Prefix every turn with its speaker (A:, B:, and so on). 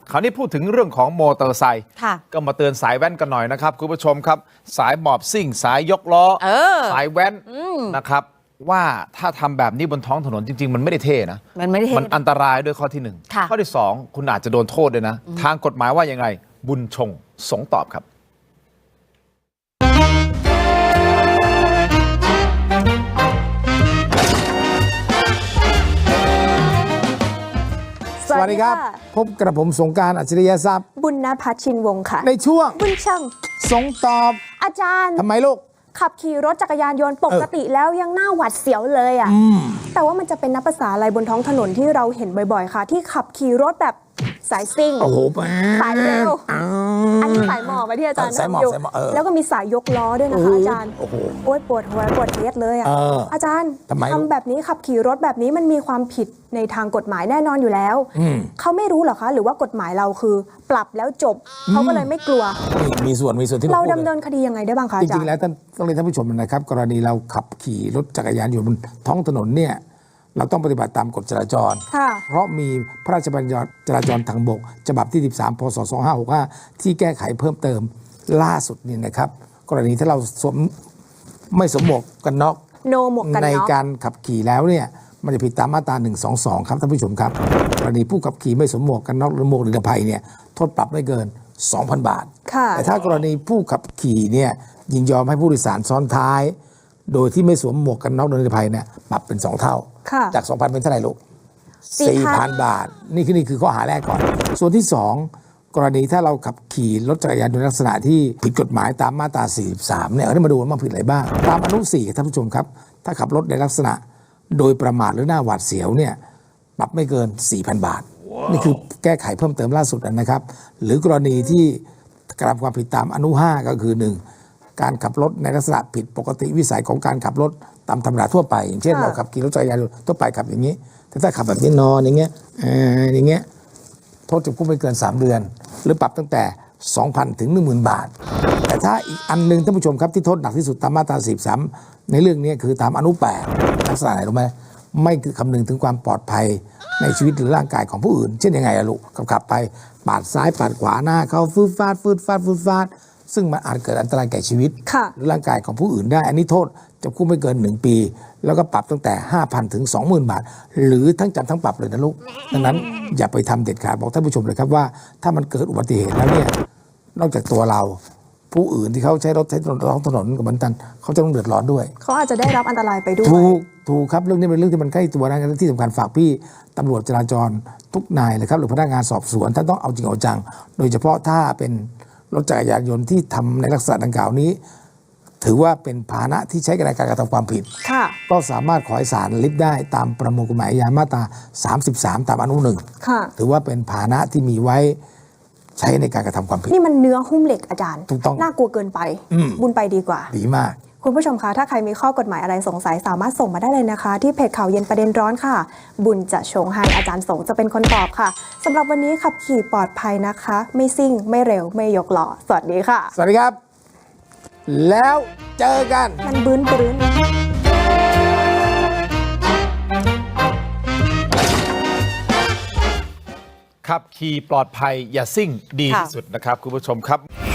A: คราวนี้พูดถึงเรื่องของมอเตอร์ไซค์ก็มาเตือนสายแว้นกันหน่อยนะครับคุณผู้ชมครับสายหมอบซิ่งสายยกล้อสายแว้นนะครับว่าถ้าทำแบบนี้บนท้องถนนจริงๆมันไม่ได้เท่นะมันอันตรายด้วยข้อที่1ข้อที่2คุณอาจจะโดนโทษด้วยนะทางกฎหมายว่ายังไงบุญชงสงตอบครับ
B: สวัสดีครับพบกระผมสงกรานต์อัจฉริยทรัพย์
C: บุญณภัทรชินวงศ์ค่ะ
B: ในช่วง
C: บุญช่าง
B: สงตอบ
C: อาจารย์
B: ทำไมลูก
C: ขับขี่รถจักรยานยนต์ปกติแล้วยังน่าหวาดเสียวเลยอ่ะแต่ว่ามันจะเป็นนับภาษาอะไรบนท้องถนนที่เราเห็นบ่อยๆค่ะที่ขับขี่รถแบบสายซิ่ง
B: โอ้โห
C: สายเร็วอันนี้สายหมอบไปที่อาจารย์นั่งอยู่แล้วก็มีสายยกล้อด้วยนะคะอาจารย์โอ๊ยปวดหัวปวดเฮ็ดเลยอ่ะอาจารย์ทำแบบนี้ขับขี่รถแบบนี้มันมีความผิดในทางกฎหมายแน่นอนอยู่แล้วเขาไม่รู้หรอคะหรือว่ากฎหมายเราคือปรับแล้วจบเขาก็เลยไม่กลัว
B: มีส่วนที่
C: เราดำเนินคดียังไงได้บ้างคะอาจารย์
B: จริงๆแล้วต้องเรียนท่านผู้ชมนะครับกรณีเราขับขี่รถจักรยานยนต์บนท้องถนนเนี่ยเราต้องปฏิบัติตามกฎจราจรเพราะมีพระราชบัญญัติจราจรทางบกฉบับที่13พ.ศ. 2565ที่แก้ไขเพิ่มเติมล่าสุดนี่นะครับกรณีถ้าเราไม่สวมหมวกกันน็อกในการขับขี่แล้วเนี่ยมันจะผิดตามมาตรา122ครับท่านผู้ชมครับกรณีผู้ขับขี่ไม่สวมหมวกกันน็อกหรือหมวกนิรภัยเนี่ยโทษปรับไม่เกิน 2,000 บาทแต่ถ้ากรณีผู้ขับขี่เนี่ยยินยอมให้ผู้โดยสารซ้อนท้ายโดยที่ไม่สวมหมวกกันน็อกนิรภัยเนี่ยปรับเป็น2 เท่าจาก 2,000 เป็นเท่าไหร่ลูก 4,000 บาทนี่คือข้อหาแรกก่อนส่วนที่2กรณีถ้าเราขับขี่รถจักรยานยนต์ในลักษณะที่ผิดกฎหมายตามมาตรา43เนี่ยเรามาดูว่ามันผิดอะไรบ้างตามอนุ4ท่านผู้ชมครับถ้าขับรถในลักษณะโดยประมาทหรือหน้าหวาดเสียวเนี่ยปรับไม่เกิน 4,000 บาทนี่คือแก้ไขเพิ่มเติมล่าสุดนะครับหรือกรณีที่กระทำความผิดตามอนุ5ก็คือ1การขับรถในลักษณะผิดปกติวิสัยของการขับรถตามธรรมดาทั่วไปอย่างเช่นเราขับขี่รถจักรยานยนต์ทั่วไปขับอย่างนี้แต่ถ้าขับแบบนี้นอนอย่างเงี้ยโทษจำคุกไม่เกิน3 เดือนหรือปรับตั้งแต่ 2,000 ถึง 10,000 บาทแต่ถ้าอีกอันนึงท่านผู้ชมครับที่โทษหนักที่สุดตามมาตรา43ในเรื่องนี้คือตามอนุ8ลักษณะไหนรู้ไหมไม่คือคำนึงถึงความปลอดภัยในชีวิตหรือร่างกายของผู้อื่นเช่นยังไงอะลูกขับไปปาดซ้ายปาดขวาหน้าเขาฟืดฟาดซึ่งมันอาจเกิดอันตรายแก่ชีวิตหรือร่างกายของผู้อื่นได้อันนี้โทษจำคุกไม่เกิน1 ปีแล้วก็ปรับตั้งแต่ 5,000 ถึง 20,000 บาทหรือทั้งจำทั้งปรับเลยนะลูกดังนั้นอย่าไปทำเด็ดขาดบอกท่านผู้ชมเลยครับว่าถ้ามันเกิดอุบัติเหตุแล้วเนี่ยนอกจากตัวเราผู้อื่นที่เขาใช้รถใช้ท้องถนนกับมันตันเขาจะต้องเดือดร้อนด้วย
C: เขาอาจจะได้รับอันตรายไปด้วย
B: ถูกครับเรื่องนี้เป็นเรื่องที่มันใกล้ตัวนะที่สำคัญฝากพี่ตำรวจจราจรทุกนายเลยครับหรือพนักงานสอบสวนท่านต้องเอาจริงเอาจังโดยเฉพาะถ้าเป็นรถจักรยานยนต์ที่ทำในลักษณะดังกล่าวนี้ถือว่าเป็นพาหนะที่ใช้ในการกระทำความผิดก็สามารถขอให้ศาลลิฟได้ตามประมวลกฎหมายอาญามาตรา33ตามอนุ1ถือว่าเป็นพาหนะที่มีไว้ใช้ในการกระทำความผิด
C: นี่มันเนื้อหุ้มเหล็กอาจารย์
B: ถูกต้อง
C: น่ากลัวเกินไปบุญไปดีกว่า
B: ดีมาก
C: คุณผู้ชมคะถ้าใครมีข้อกฎหมายอะไรสงสัยสามารถส่งมาได้เลยนะคะที่เพจข่าวเย็นประเด็นร้อนค่ะบุญจะชงให้อาจารย์สงจะเป็นคนตอบค่ะสำหรับวันนี้ขับขี่ปลอดภัยนะคะไม่ซิ่งไม่เร็วไม่ยกล้อสวัสดีค่ะ
B: สวัสดีครับแล้วเจอกัน
C: มันบื้น
A: ขับขี่ปลอดภัยอย่าซิ่งดีที่สุดนะครับคุณผู้ชมครับ